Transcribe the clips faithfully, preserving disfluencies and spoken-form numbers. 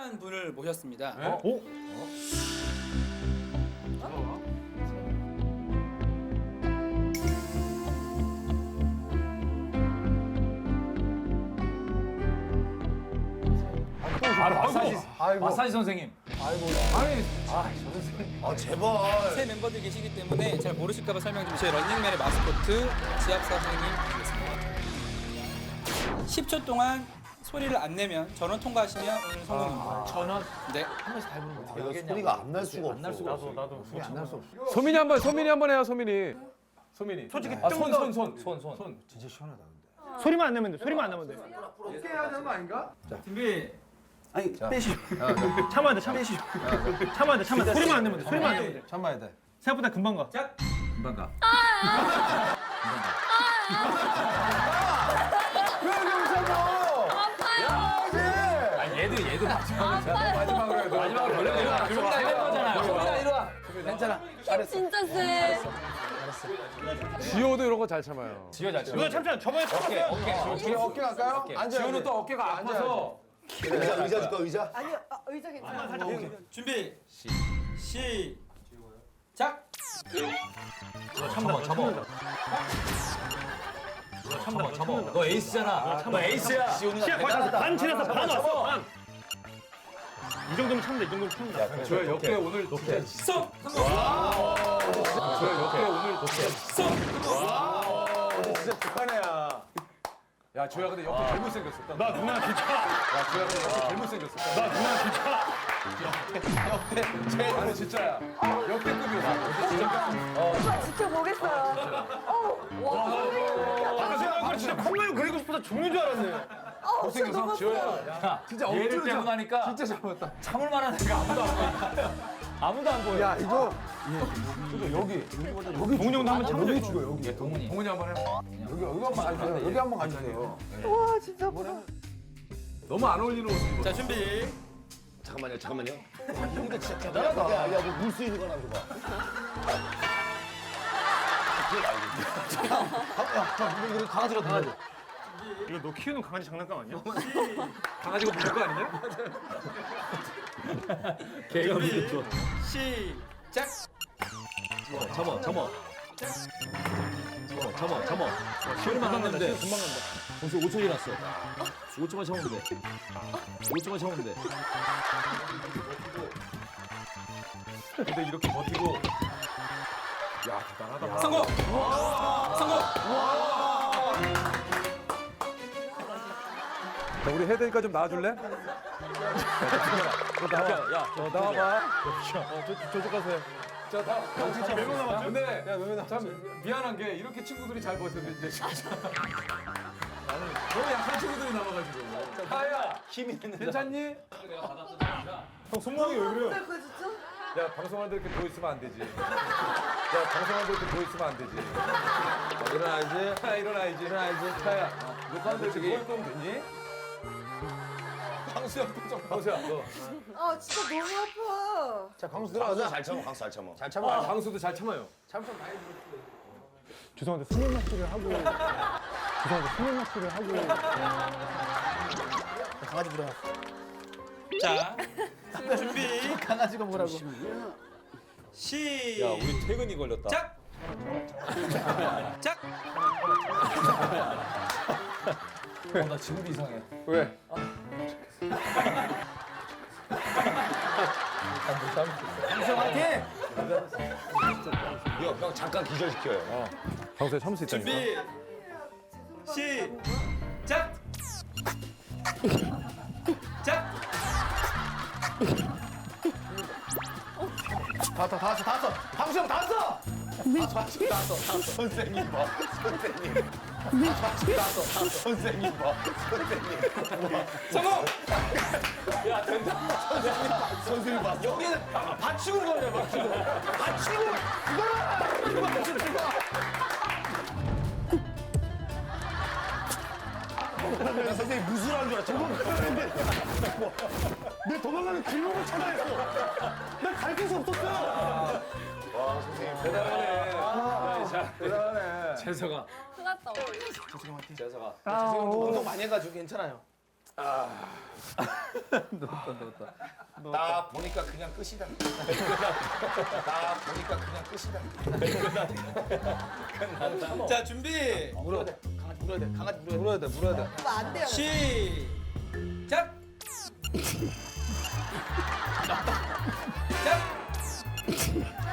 특별한 분을 모셨습니다. 네? 어? 오? 아, 마사지, 아이고. 마사지 선생님. 아이고. 아니, 아 제발. 새 멤버들 계시기 때문에 잘 모르실까봐 설명 좀. 저희 런닝맨의 마스코트 지압 선생님 되겠습니다. 십 초 동안 소리를 안 내면 전원 통과하시면 오늘 성공입니다. 전원 네. 한 번씩 다 해보는 거 어떻게 이거 하겠냐고. 소리가 안 날 수가 없어. 안날 수가 없어. 나도 소리 안 날 수 없어. 소민이 한번 소민이 한번 해요 소민이. 소민이. 솔직히 아, 손, 손, 손, 손, 손. 손. 진짜 시원하다 근데. 소리만 안 내면 돼. 소리만 안 내면 돼. 어떻게 해야 되는 거 아닌가? 준비. 아니 빼시. 참아야 돼. 참아. 참아야 돼. 참아. 소리만 안 내면 돼. 소리만 안 내면 돼. 참아야 돼. 생각보다 금방 가. 자. 금방 가. 왜 이렇게 참아? 아, 얘도 얘도 마지막으로 마지막으로 해도. 마지막으로 걸려. 이리 와. 둘다 이런 거잖아요. 둘다 이리 와. 괜찮아. 진짜 쎄. 지효도 이런 거 잘 참아요. 지효 잘 쳐. 이거 참잖아. 저번에 어깨, 참았어요. 어깨. 어깨 어깨 갈까요? 앉아. 지효는 또 어깨가 아파서. 의자 의자 줄까 의자? 아니요, 아, 의자 괜찮아. 준비. 시. 시작. 참아, 참아. 참아, 참아. 너 에이스잖아. 너 에이스야. 시야 거의 다 반 지나서 반 왔어. 반. 이 정도면 참다. 이 정도면 참다. 저 역대 오늘 진짜. 쏙. 저 역대 오늘 쏙. 진짜 북한 애야. 야 조야 근데 역대 제일 못생겼었다. 나 누나 진짜. 야 조야 근데 역대 제일 못생겼었다. 나 누나 진짜. 역대 제일 아니 진짜야. 역대급이었어. 진짜. 오빠 지켜보겠어요. 어, 와, 아, 생각보다 진짜 콧물 그리고 싶어서 죽는 줄 알았네. 어, 진짜 너무 야, 진짜 얘를 억지로 빼고 참- 나니까 진짜 잘못다. 참을 만한 애가 아무도 안 보여. 아무도 안 보여. 야 이거. 이거 여기. 여기. 동훈이 형도 한번 참아줘. 여기 죽어 여기. 동훈이. 동훈이 한번 해. 여기 여기 한번 가주세요. 여기 한번 가주세요. 와, 진짜 아프다. 너무 안 어울리는 옷을 입어. 자 준비. 잠깐만요 잠깐만요. 형도 진짜 대단하다. 야 야 너 물 수 있는 거나 줘봐. 이거 강아지로 강아지. 이거 너 키우는 강아지 장난감 아니야? 강아지가 부를 거 아니냐? 걔가 무슨 좋아. 시작. 참어, 참어. 참어, 참어, 참어. 시원만 하면 돼. 금방 간다. 벌써 오 초 지났어. 오 초만 참으면 돼. 오 초만 참으면 돼. 근데 이렇게 버티고. 야 대단하다. 성공. 성공. 자 우리 혜대니까 좀 나와줄래? 야, 야, 어 나와봐. 어 저, 저쪽 가세요. 자 다. 진짜 몇명 남았죠? 근데 참 미안한 게 이렇게 친구들이 잘 버텼는데 진짜. 나는 너무 약한 친구들이 남아가지고. 다야 힘이 있는 괜찮니? 형 손모양이 왜 그래? 그거 진짜? 야 방송하는데 이렇게 누워 있으면 안 되지. 야 방송하는데 이렇게 누워 있으면 안 되지. 어, 일어나야지. 야, 일어나야지. 일어나야지. 자야 녹화하는데 이렇게 누워 있으면 되니? 황수야 표정. 황수야 너. 아, 진짜 너무 아파. 자 강수 강수 들어가자. 잘 참아 강수 잘 참아. 잘 참아. 방수도 잘 참아요. 죄송한데 수면 마취를 하고. 죄송한데 수면 마취를 하고. 강아지 들어가. 자 준비. 강아지가 뭐라고? 시작. 야, 우리 퇴근이 걸렸다. 짝. 어, 나 지금도 이상해. 왜? 화이팅! 이거 형 잠깐 기절시켜요. 방수야 참을 수 있다니까. 준비. 시작. 짝. 다 왔어 다 왔어 다 왔어. 강수 형다 왔어. 선생님 봐 선생님. 다 왔어 선생님 봐 선생님. 성공. 야, 된다. 선생님 봐. 여기는 받치고 걸려, 받치고. 받치고. 야, 선생님 무술하는 줄 알았잖아. 내 도망가는 길목을 찾아했어. 난 가르칠 수 없었어. 와 선생님 대단하네. 자, 대단하네. 재석아. 큰일 났다. 재석아. 운동 많이 해가지고 괜찮아요. 나 보니까 그냥 끝이다. 나 보니까 그냥 끝이다. 자 준비. 물어야 돼. 강아지 물어야 돼. 강아지 물어야 돼. 물어야 돼. 그러면 안 돼요. 시작. 자.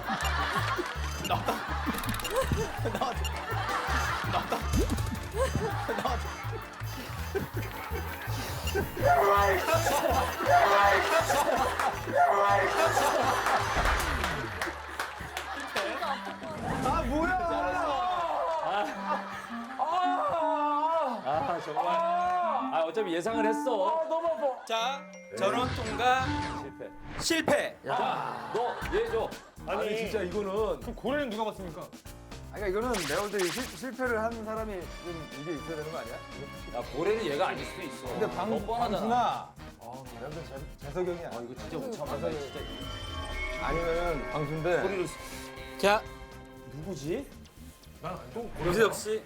아 정말. 아 어차피 예상을 했어. 자 전원 통과 실패. 실패. 너얘 줘. 아니, 진짜 이거는 그럼 고래는 누가 봤습니까? 아니 그러니까 이거는 내가 볼 때 실패를 한 사람이 좀 이게 있어야 되는 거 아니야? 야 고래는 얘가 아닐 수도 있어. 근데 방, 너무 뻔하잖아. 방순아 아 내가 볼때 재석이 형이야. 아 이거 진짜 못 참아. 진짜 아니면 방순대 소리를. 자 누구지? 유재석 씨.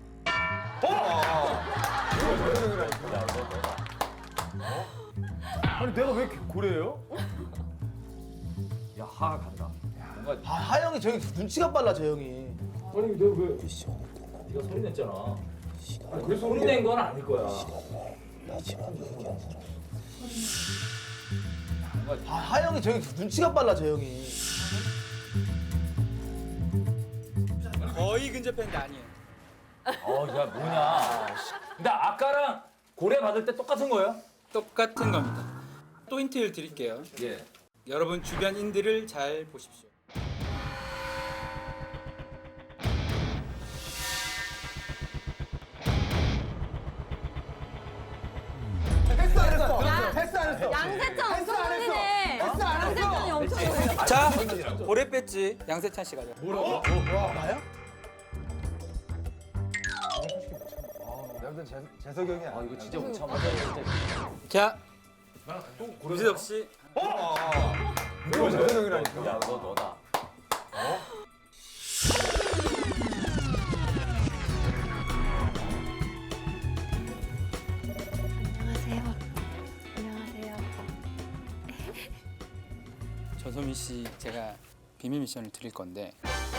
아니 내가 왜 이렇게 고래예요? 야 하가 간다. 뭔가 아, 하영이 저 형이 눈치가 빨라, 저 형이. 아니 내가 왜? 네가 소리 냈잖아. 아니, 그래서 소리 낸 건 아닐 거야. 아, 하영이 저 형이 눈치가 빨라, 저 형이. 거의 근접했는데 아니에요. 어야 뭐냐. 근데 아까랑 고래 받을 때 똑같은 거예요? 똑같은 겁니다. 또 힌트를 드릴게요. 예. 여러분 주변인들을 잘 보십시오. 패스 안 했어. 패스 안 했어. 양세찬 엄청 놀리네. 양세찬이 엄청 놀리네. 자 고래 배지 양세찬 씨가 죠 나야? 내가 볼때 재- 재석이 형이야. 아 이거 진짜 못 참아. 진짜. 자 유재석 씨. 이거 재석이 형이라니까. 야너 너다. 안녕하세요. 안녕하세요. 전소민 씨 제가 비밀 미션을 드릴 건데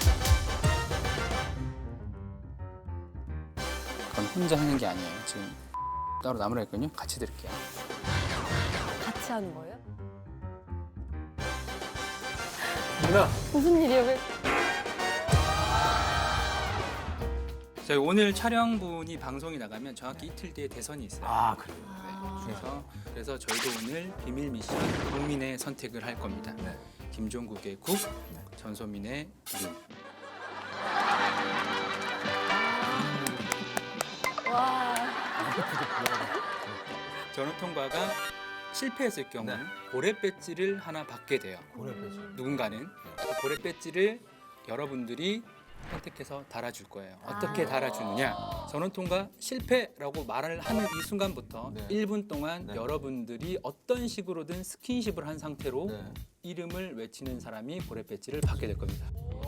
그건 혼자 하는 게 아니에요. 지금 따로 나무라 했거든요. 같이 드릴게요. 같이 하는 거예요? 누나. 무슨 일이에요? 왜? 저희 오늘 촬영분이 방송이 나가면 정확히 이틀 뒤에 대선이 있어요. 아, 그래. 네, 그래서 그래서 저희도 오늘 비밀 미션 국민의 선택을 할 겁니다. 김종국의 국, 전소민의 민. 와. 전원 통과가 실패했을 경우 고래 배지를 하나 받게 돼요. 고래 패스. 누군가는 그 고래 배지를 여러분들이 선택해서 달아줄 거예요. 어떻게 달아주느냐? 전원 통과 실패라고 말을 하는 이 순간부터 일 분 동안 여러분들이 어떤 식으로든 스킨십을 한 상태로 이름을 외치는 사람이 고래 배지를 받게 될 겁니다.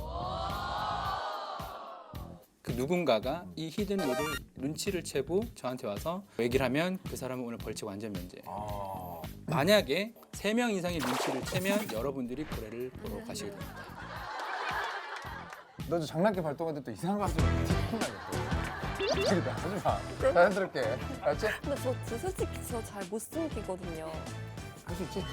그 누군가가 이 히든 룰을 눈치를 채고 저한테 와서 얘기를 하면 그 사람은 오늘 벌칙 완전 면제예요. 만약에 세 명 이상의 눈치를 채면 여러분들이 고래를 보러 가시게 됩니다. 너 저 장난기 발동할 때 또 이상한 거 하면 혼나겠다. 그러니까 하지 마. 자연스럽게. 알았지? 근데 저, 저 솔직히 저 잘 못 숨기거든요. 할 수 있지?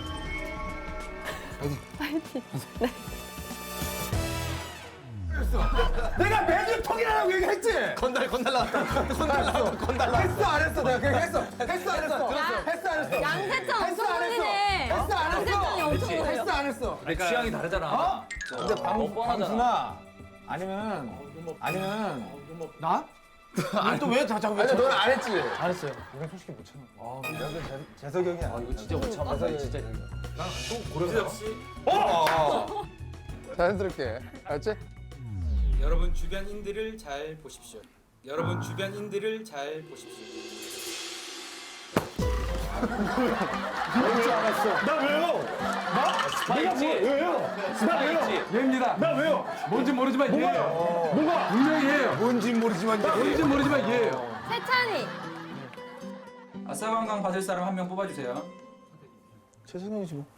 내가 메뉴통이라고 얘기했지? 건달, 건달 나왔다. 건달 나왔다. 건달 나왔다. 했어 안 했어? 내가 그냥 했어. 했어 안 했어? 야. 했어 안 했어? 양세찬 했어 엄청 안 했어? 놀리네. 했어 안 했어? 양세찬이 엄청 놀려. 했어 안 했어? 근데 취향이 다르잖아. 어? 근데 방, 너무 뻔하잖아. 방순아 아니면 아니면 나? 아니, 또 왜 자꾸 아니 너는 안 했지? 잘했어요. 이건 솔직히 못 참아. 아, 내가 그 재- 재석이 형이야. 아 이거 진짜 못 참아. 나 진짜. 유재석 씨, 자연스럽게. 알았지? 여러분 주변인들을 잘 보십시오. 여러분 주변인들을 잘 보십시오. 나 왜요? 스파이지. 왜요? 나 왜요? 얘입니다. 나 왜요? 뭔지 모르지만 얘예요. 뭐가? 분명히 얘예요. 뭔지 모르지만 얘예요. 뭔지 모르지만 얘예요. 세찬이. 아 아싸관광 받을 사람 한 명 뽑아주세요. 최성형이지 뭐.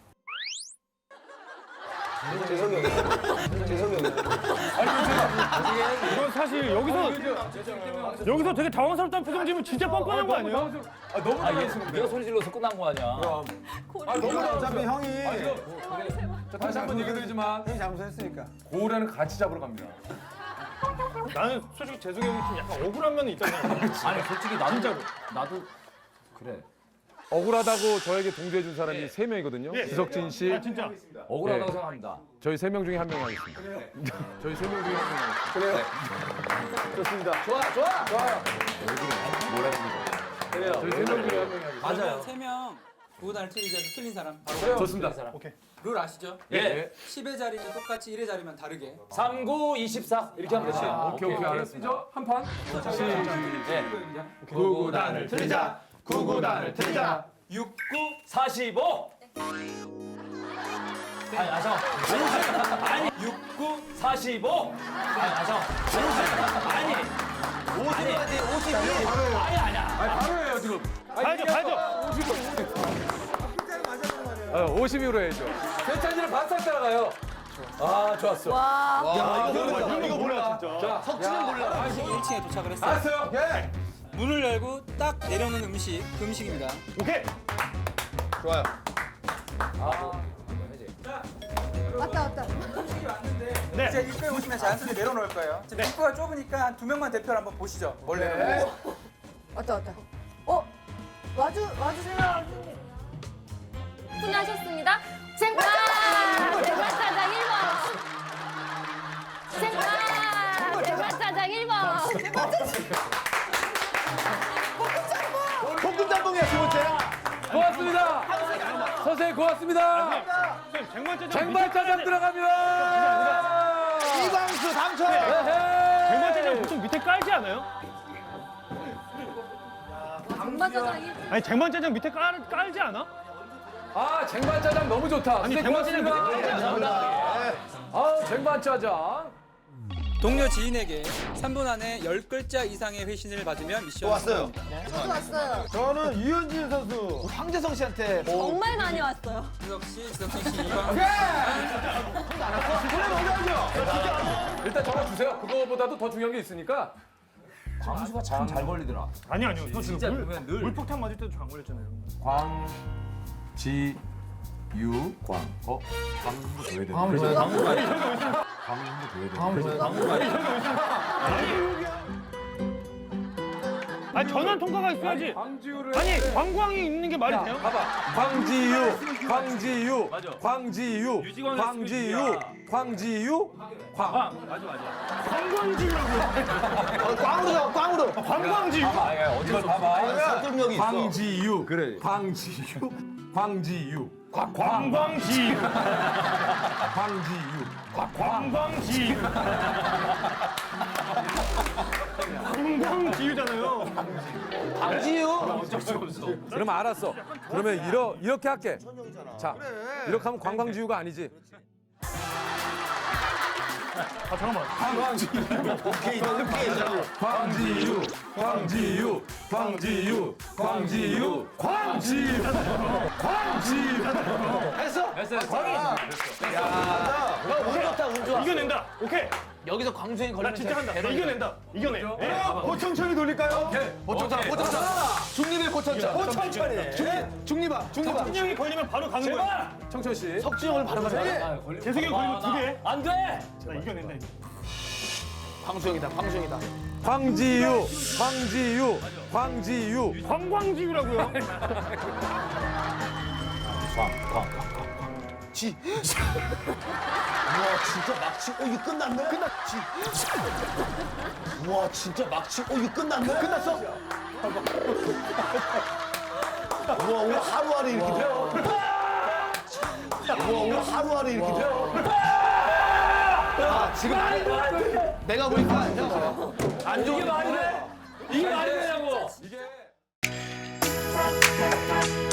이건 사실 여기서 여기서 되게 당황스럽다는 표정 지으면 진짜 뻔뻔한 거 아니에요? 아 너무 잘했습니다. 네가 소리 질러서 끝난 거 아니야? 아 너무 어차피 잘했어요. 형이 아 지금 자, 다시 한번 얘기드리지만 형이 잘못했으니까. 고우라는 같이 잡으러 갑니다. 나는 솔직히 재석이 형이 좀 약간 억울한 면이 있잖아요. 아니 솔직히 나도 진짜로 나도 그래. 억울하다고 저에게 동조해 준 사람이 세 명이거든요. 예. 지석진 씨, 아, 진짜. 억울하다고 네. 생각합니다. 저희 세 명 중에 한 명 하겠습니다. 저희 세 명 중에 한 명 하겠습니다. 좋습니다. 좋아, 좋아, 좋아요. 저희 세 명 중에 한 명이 하겠습니다. 맞아요. 세명 구구단을 틀리자 틀린 사람. 바로 좋습니다. 오케이. 룰 아시죠? 예. 십의 자리는 똑같이 일의 자리만 다르게. 삼, 구, 이십사 이렇게 하면 되지. 오케이 오케이 알았습니다. 한 판. 예. 구구단을 틀리자. 구구단을 틀리자. 육, 구, 사십오. 아니, 아, 잠깐. 아니, 육, 구, 사십오. 아니, 아, 잠깐. 아니, 오십까지, 오십이. 아니, 아니야. 아니 바로 해요 지금. 가야죠, 가야죠. 어, 오십으로 해야죠. 세찬이는 바싹 따라가요. 아 좋았어. 와. 야, 이거 몰라. 이거 몰라 진짜. 자, 석진은 몰라. 일 층에 도착을 했어요. 알았어요. 예. 문을 열고 딱 내려오는 음식, 그 음식입니다. 오케이. 좋아요. 왔다 왔다. 음식이 왔는데 네. 이제 입구에 오시면 자연스럽게 내려놓을 거예요. 지금 입구가 좁으니까 한 두 명만 대표를 한번 보시죠. 뭘 내려놓을지. 왔다 왔다. 어? 와주 와주세요. 훈하셨습니다. 쟁반! 쟁반짜장 일 번! 쟁반! 쟁반짜장 일 번! 볶음짬뽕이야, 두 번째. 고맙습니다. 선생님 고맙습니다. 선생님 쟁반짜장 쟁반짜장 들어갑니다. 이광수 당첨. 쟁반짜장 보통 밑에 깔지 않아요? 쟁반짜장 일 번! 아니 쟁반짜장 밑에 깔 깔지 않아? 아 쟁반짜장 너무 좋다. 아니 선생님 쟁반짜장 밑에 깔지 고맙습니다. 않아? 아 쟁반짜장. 동료 지인에게 삼 분 안에 열 글자 이상의 회신을 받으면 미션 왔어요. 저도 왔어요. 저는 유현진 선수, 황재성 씨한테 정말 많이 왔어요. 지석 씨, 지석진 씨, 이광 일단 적어주세요. 그거보다도 더 중요한 게 있으니까. 광수가 참 잘 걸리더라. 아니 아니요. 저 진짜 물, 보면 늘- 물폭탄 맞을 때도 저 안 걸렸잖아요. 광지유 광. 어? 광도 줘야 돼. 아니 전원 통과가 있어야지. 광지유를. 아니 광광이 있는 게 말이 돼요? 봐봐. 광지유, 광지유, 맞아. 광지유, 유지광의 광지유, 스피드야. 광지유, 광. 맞아, 맞아. 광광지유라고요. 꽝으로 잡아, 꽝으로. 광광지유. 아, 야, 어디서 봐봐. 설득력이 있어. 광지유. 그래. 광지유, 광지유, 광. 광광지유. 광지유. 광광지유. 광광지유잖아요. 강지유. 그러면 알았어. 그러면 이러, 이렇게 할게. 자, 이렇게 하면 관광지유가 아니지. 아 잠깐만. 오케이, 오케이. 광지유, 광지유, 광지유, 광지유, 광지유, 광지유. 했어? 됐어, 됐어. 운 좋다, 운 좋아. 이겨낸다. 오케이. 여기서 광수형이 나 걸리면 진짜 한다. 나 이겨낸다. 이겨내. 예. 고청천이 돌릴까요? 고청천, 고청천. 중립의 고청천. 고청천이. 중립, 중립아, 중립아. 석진이 형이 걸리면 바로 가는 거야. 청천 씨. 석진이 형을 바로 가자. 재석이 형 걸리면 두 개. 안 돼! 나 이겨낸다. 이거. 광수형이다, 광수형이다. 광지유, 광지유, 광지유. 광광지유라고요. 지. 우와, 진짜 막치. 어, 이거 끝났네? 끝났지. 우와, 진짜 막치. 어, 이거 끝났네? 끝났어? 우와, 오늘 하루하루 이렇게 돼. 우와, 오늘 하루하루 이렇게 돼. 아, 지금 내가 보니까 안 좋은 이게 말이 돼? 이게 말이 되냐고! 이게.